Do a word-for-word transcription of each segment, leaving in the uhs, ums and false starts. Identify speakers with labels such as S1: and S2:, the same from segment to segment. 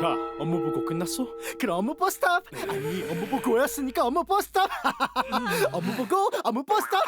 S1: 자, 업무 보고 끝났어?
S2: 그럼 업무 버스탑. 아니 업무 보고였으니까 업무 버스탑. 업무 보고 업무 버스탑.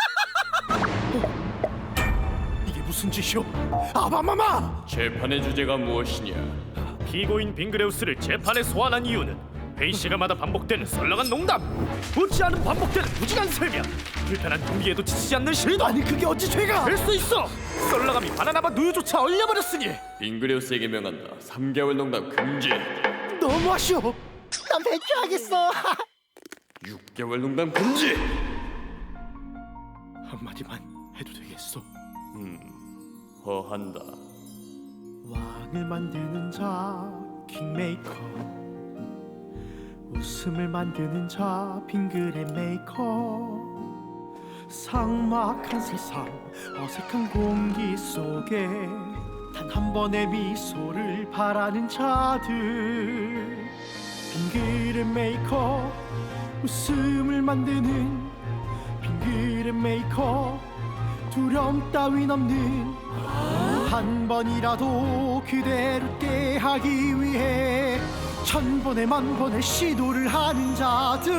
S1: 이게 무슨 짓이오? 아바마마!
S3: 재판의 주제가 무엇이냐?
S1: 피고인 빙그레우스를 재판에 소환한 이유는 회의 시간마다 반복되는 썰렁한 농담, 웃지 않은 반복되는 무진한 설명, 불편한 경기에도 지치지 않는 실도.
S2: 아니 그게 어찌 죄가?
S1: 될 수 있어! 썰렁함이 바나나맛 우유조차 얼려버렸으니.
S3: 빙그레우스에게 명한다. 삼 개월 농담 금지.
S2: 너무 아쉬워. 난 배추하겠어.
S3: 육 개월 농담 금지.
S1: 한마디만 해도 되겠어?
S3: 음, 허한다.
S2: 왕을 만드는 자 킹메이커, 웃음을 만드는 자 빙그레 메이커. 삭막한 세상 어색한 공기 속에 단 한 번의 미소를 바라는 자들. 빙그레 메이커, 웃음을 만드는 빙그레 메이커. 두려움 따윈 없는 한 번이라도 그대를 웃게 하기 위해 천 번에 만 번의 시도를 하는 자들.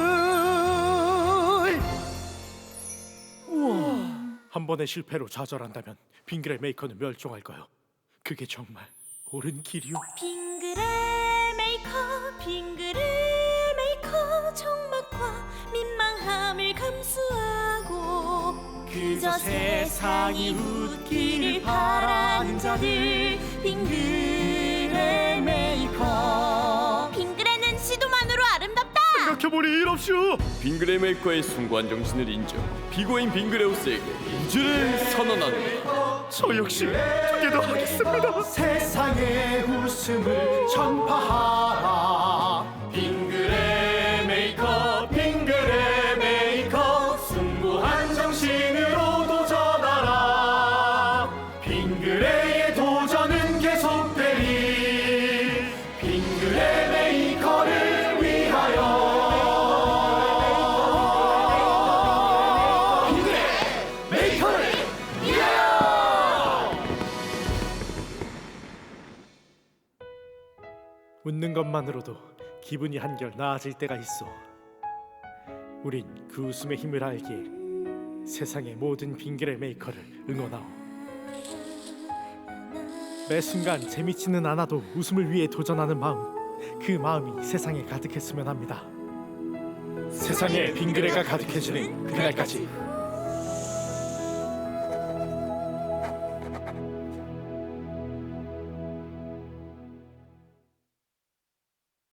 S2: 우와.
S1: 한 번의 실패로 좌절한다면 빙그레 메이커는 멸종할까요? 그게 정말 옳은 길이오?
S4: 빙그레 메이커 빙그레 메이커, 적막과 민망함을 감수하고 그저 세상이 웃기를 바라는 자들. 빙그레 메이커. 빙그레는 시도만으로 아름답다.
S1: 생각해보니 이럽시오.
S3: 빙그레 메이커의 숭고한 정신을 인정. 피고인 빙그레우스에게 무죄를 선언한다.
S1: 저 역시 두 개 더 하겠습니다.
S2: 세상의 웃음을 전파하라. 빙그레 메이커 빙그레 메이커, 숭고한 정신으로 도전하라. 빙그레의 도전은 계속되리. 빙그레 메이커를 위하여. 빙그레 메이커를 위하여.
S1: 웃는 것만으로도 기분이 한결 나아질 때가 있어. 우린 그 웃음의 힘을 알기에 세상의 모든 빙그레 메이커를 응원하오. 매 순간 재미치는 않아도 웃음을 위해 도전하는 마음, 그 마음이 세상에 가득했으면 합니다. 세상에 빙그레가 가득해지는 그날까지